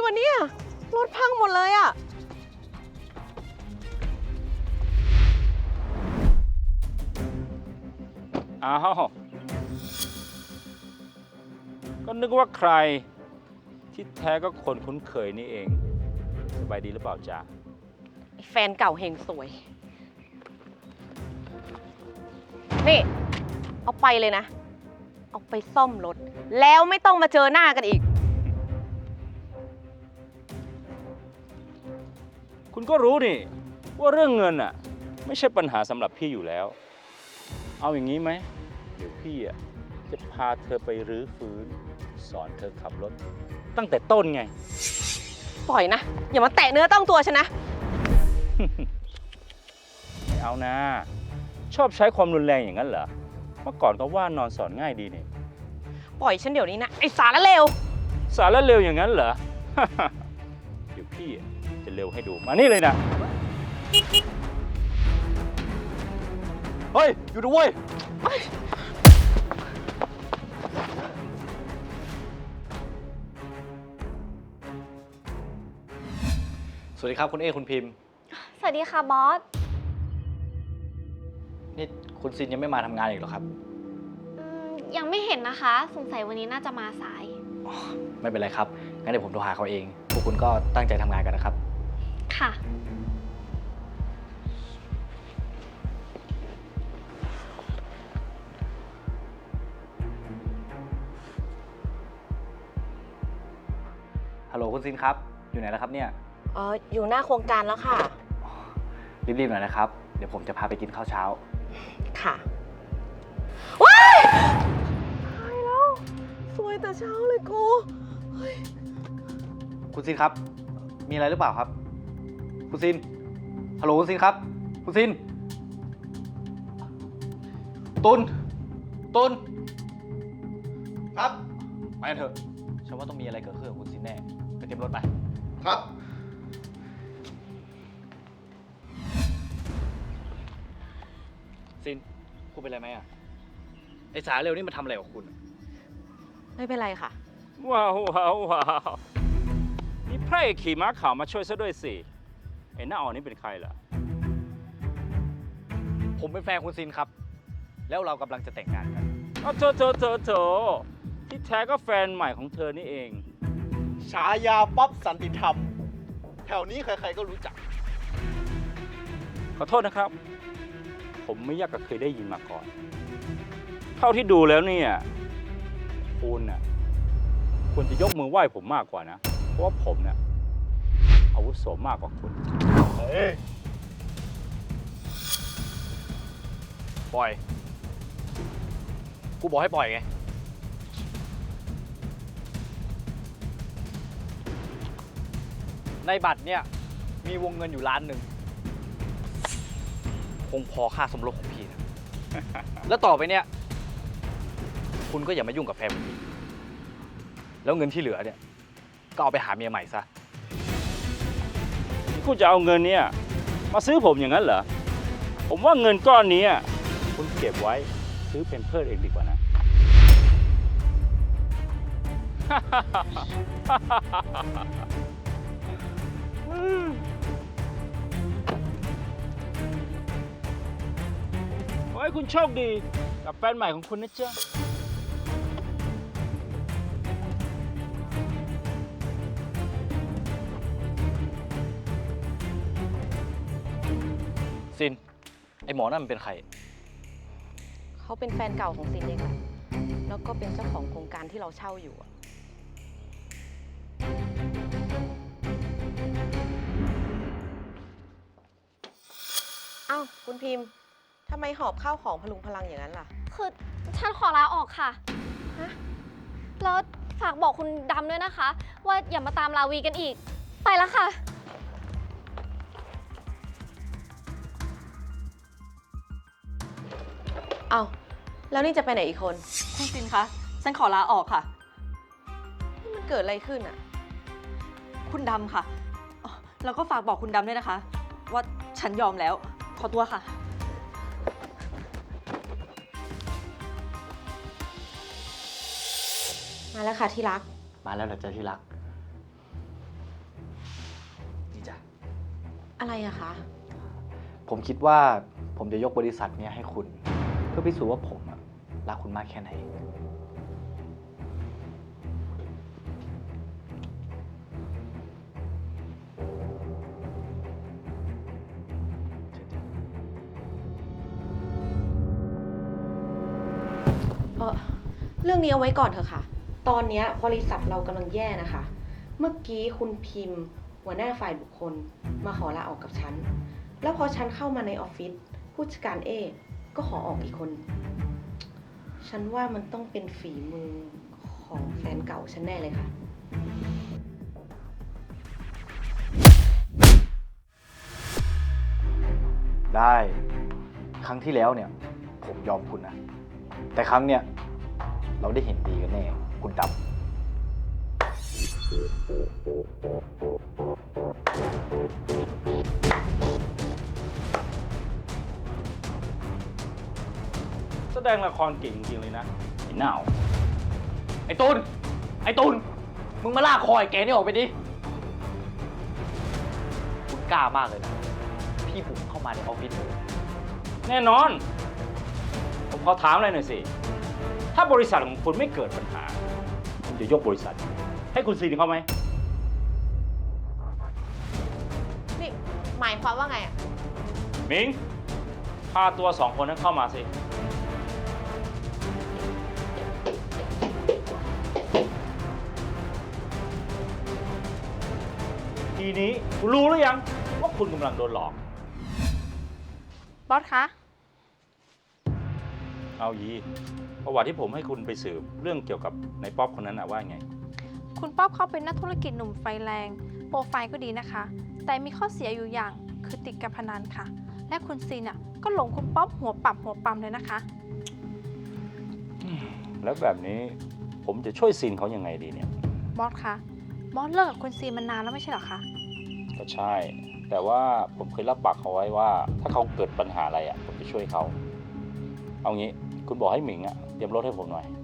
วะเนี่ยรถพังหมดเลยอะอ้าวก็นึกว่าใครที่แท้ก็คนคุ้นเคยนี่เองสบายดีหรือเปล่าจ๊ะแฟนเก่าเฮงสวย นี่ เอาไปเลยนะ เอาไปซ่อมรถ แล้วไม่ต้องมาเจอหน้ากันอีกคุณก็รู้นี่ว่าเรื่องเงินอ่ะไม่ใช่ปัญหาสำหรับพี่อยู่แล้ว เอาอย่างนี้ไหมเดี๋ยวพี่อ่ะจะพาเธอไปรื้อฟื้นสอนเธอขับรถ ตั้งแต่ต้นไงปล่อยนะ อย่ามาแตะเนื้อต้องตัวฉันนะไม่เอานะ ชอบใช้ความรุนแรงอย่างนั้นเหรอเมื่อก่อนก็ว่านอนสอนง่ายดีนี่ปล่อยฉันเดี๋ยวนี้นะ ไอ้สารเลวสารเร็วอย่างนั้นเหรอ เดี๋ยวพี่จะเร็วให้ดูมานี่เลยนะเฮ้ย อยู่ด้วย สวัสดีครับคุณเอคุณพิมพ์สวัสดีค่ะบอสนี่คุณซินยังไม่มาทำงานอีกเหรอครับยังไม่เห็นนะคะ สงสัยวันนี้น่าจะมาสายไม่เป็นไรครับ งั้นเดี๋ยวผมโทรหาเขาเอง พวกคุณก็ตั้งใจทำงานกันนะครับค่ะฮัลโหลคุณซินครับ อยู่ไหนแล้วครับเนี่ยอยู่หน้าโครงการแล้วค่ะรีบๆหน่อยนะครับ เดี๋ยวผมจะพาไปกินข้าวเช้าค่ะ ว้ายตายแล้ว สวยแต่เช้าเลยกูคุณซินครับ มีอะไรหรือเปล่าครับ คุณซิน ฮัลโหลคุณซินครับ คุณซิน ตุน ครับ ไปกันเถอะ ฉันว่าต้องมีอะไรเกิดขึ้นกับคุณซินแน่ ไปเตรียมรถไปครับซิน คุณเป็นไรไหมอ่ะ ไอ้สาเร็วนี่มันทำอะไรกับคุณไม่เป็นไรค่ะว้าวว้าวว้าวนี่พระเอกขี่ม้าขาวมาช่วยซะด้วยสิไอ้หน้าอ่อนนี่เป็นใครล่ะผมเป็นแฟนคุณซินครับ แล้วเรากำลังจะแต่งงานกันอ้าวโถที่แท้ก็แฟนใหม่ของเธอนี่เองฉายาป๊อปสันติธรรม แถวนี้ใครๆก็รู้จักขอโทษนะครับ ผมไม่อยากจะเคยได้ยินมาก่อน เท่าที่ดูแล้วเนี่ยคุณน่ะควรจะยกมือไหว้ผมมากกว่านะ เพราะว่าผมเนี่ยอาวุโสมากกว่าคุณเฮ้ยปล่อย กูบอกให้ปล่อยไง ในบัตรเนี่ยมีวงเงินอยู่1,000,000คงพอค่าสมรสของพี่นะ แล้วต่อไปเนี่ย คุณก็อย่ามายุ่งกับแฟนผมอีกแล้วเงินที่เหลือเนี่ย ก็เอาไปหาเมียใหม่ซะคุณจะเอาเงินเนี่ยมาซื้อผมอย่างนั้นเหรอ ผมว่าเงินก้อนนี้คุณเก็บไว้ซื้อเป็นเพิร์เองดีกว่านะ ขอให้คุณโชคดีกับแฟนใหม่ของคุณนะจ๊ะซิน ไอหมอนั่นมันเป็นใครเขาเป็นแฟนเก่าของซินเองค่ะ แล้วก็เป็นเจ้าของโครงการที่เราเช่าอยู่อะอ้าวคุณพิมพ์ ทำไมหอบข้าวของพลุงพลังอย่างนั้นล่ะคือฉันขอลาออกค่ะฮะแล้วฝากบอกคุณดำด้วยนะคะ ว่าอย่ามาตามลาวีกันอีก ไปแล้วค่ะอ้าวแล้วนี่จะไปไหนอีกคนคุณซินคะ ฉันขอลาออกค่ะนี่มันเกิดอะไรขึ้นอะคุณดำค่ะอ๋อแล้วก็ฝากบอกคุณดำด้วยนะคะ ว่าฉันยอมแล้ว ขอตัวค่ะมาแล้วค่ะที่รักมาแล้วเหรอจ๊ะที่รักอะไรอะคะผมคิดว่าผมจะยกบริษัทเนี้ยให้คุณ เพื่อพิสูจน์ว่าผมอะรักคุณมากแค่ไหนเรื่องนี้เอาไว้ก่อนเถอะค่ะ ตอนเนี้ยบริษัทเรากำลังแย่นะคะ เมื่อกี้คุณพิมพ์ หัวหน้าฝ่ายบุคคลมาขอลาออกกับฉัน แล้วพอฉันเข้ามาในออฟฟิศผู้จัดการก็ขอออกอีกคน ฉันว่ามันต้องเป็นฝีมือของแฟนเก่าฉันแน่เลยค่ะได้ ครั้งที่แล้วเนี่ย ผมยอมคุณนะ แต่ครั้งเนี่ย เราได้เห็นดีกันแน่ คุณดำแสดงละครเก่งจริงๆเลยนะไอ้หน้าวไอ้ตุลไอ้ตุลมึงมาลากคอไอ้แกนี่ออกไปดิ คุณกล้ามากเลยนะ พี่บุกเข้ามาในออฟฟิศเลยแน่นอน ผมขอถามอะไรหน่อยสิ ถ้าบริษัทของคุณไม่เกิดปัญหา คุณจะยกบริษัท ให้คุณซีนเขาไหมนี่หมายความว่าไงอะมิง พาตัว2 คนนั้นเข้ามาสิ ทีนี้คุณรู้หรือยังว่าคุณกำลังโดนหลอกบอสคะเอายีประวัติที่ผมให้คุณไปสืบเรื่องเกี่ยวกับในป๊อปคนนั้นนะว่าไงคุณป๊อบเขาเป็นนักธุรกิจหนุ่มไฟแรง โปรไฟล์ก็ดีนะคะ แต่มีข้อเสียอยู่อย่างคือติดการพนันค่ะ และคุณซีนก็หลงคุณป๊อบหัวปั๊มเลยนะคะแล้วแบบนี้ผมจะช่วยซีนเขายังไงดีเนี่ยบอสคะ บอสเลิกกับคุณซีนมานานแล้วไม่ใช่เหรอคะก็ใช่ แต่ว่าผมเคยรับปากเขาไว้ว่า ถ้าเขาเกิดปัญหาอะไรอ่ะ ผมจะช่วยเขา เอางี้คุณบอกให้หมิงอ่ะเตรียมรถให้ผมหน่อย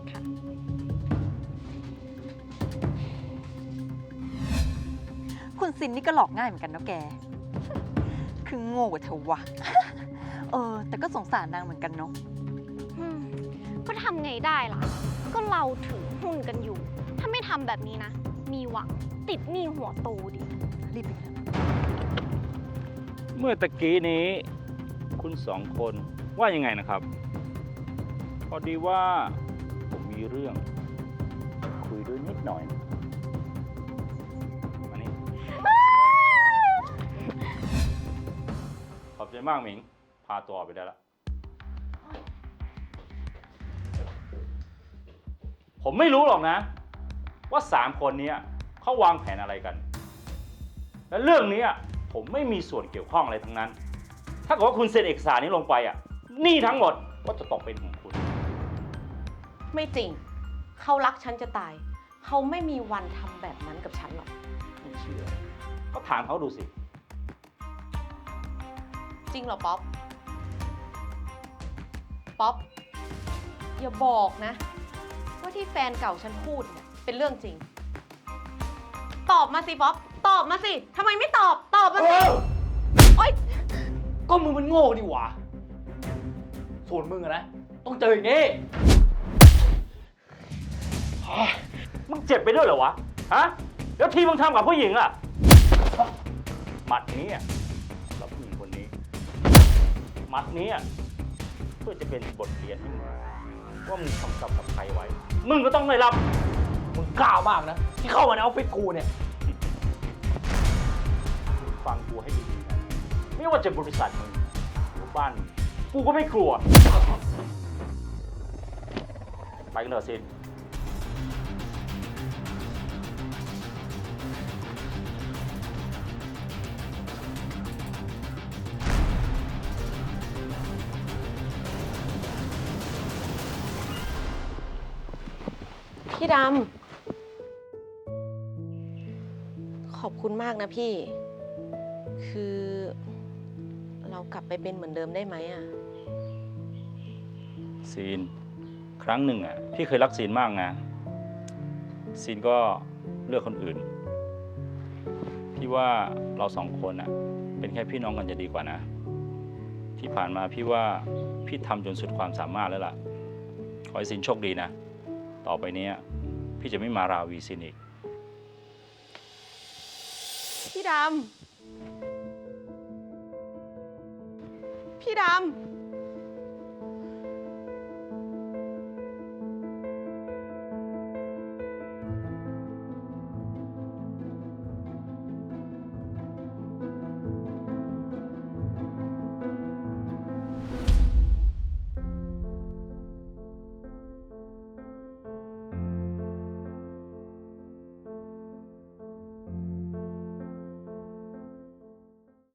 คุณซินนี่ก็หลอกง่ายเหมือนกันเนาะแก คือโง่กว่าเธอวะ แต่ก็สงสารนางเหมือนกันเนาะก็ทำไงได้ล่ะ ก็เราถือหุ้นกันอยู่ ถ้าไม่ทำแบบนี้นะ มีหวังติดหนี้หัวโตดิรีบไปเถอะเมื่อตะกี้นี้ คุณ2 คนว่ายังไงนะครับ พอดีว่าผมมีเรื่องจะคุยด้วยนิดหน่อยมานี่ ขอบใจมากหมิง พาตัวออกไปได้แล้ว ผมไม่รู้หรอกนะ ว่า3 คนนี้เขาวางแผนอะไรกัน และเรื่องนี้ผมไม่มีส่วนเกี่ยวข้องอะไรทั้งนั้น ถ้าเกิดว่าคุณเซ็นเอกสารนี้ลงไปหนี้ทั้งหมดก็จะตกเป็นของคุณไม่จริง เขารักฉันจะตาย เขาไม่มีวันทำแบบนั้นกับฉันหรอกไม่เชื่อ ก็ถามเขาดูสิจริงเหรอป๊อป ป๊อป อย่าบอกนะ ว่าที่แฟนเก่าฉันพูดเนี่ยเป็นเรื่องจริง ตอบมาสิป๊อป ตอบมาสิทำไมไม่ตอบ ตอบมาสิ โอ๊ยก็มึงมันโง่ดีหว่า ส่วนมึงอะนะ ต้องเจออย่างนี้มึงเจ็บไปด้วยเหรอวะ ฮะ แล้วที่มึงทำกับผู้หญิงล่ะ หมัดนี้สำหรับผู้หญิงคนนี้ หมัดนี้เพื่อจะเป็นบทเรียนให้มึงว่ามึงทำกับใครไว้ มึงก็ต้องได้รับมึงกล้ามากนะ ที่เข้ามาในออฟฟิศกูเนี่ยฟังกูให้ดีๆนะ ไม่ว่าจะบริษัทมึงหรือบ้านมึงกูก็ไม่กลัว ไปกันเถอะซินพี่ดำ ขอบคุณมากนะพี่ คือเรากลับไปเป็นเหมือนเดิมได้ไหมอะซีน ครั้งหนึ่งพี่เคยรักซีนมากนะ ซีนก็เลือกคนอื่น พี่ว่าเรา2 คนเป็นแค่พี่น้องกันจะดีกว่านะ ที่ผ่านมาพี่ว่าพี่ทำจนสุดความสามารถแล้วล่ะ ขอให้ซินโชคดีนะ ต่อไปเนี้ยพี่จะไม่มาราวีซินอีกพี่ดำ พี่ดำ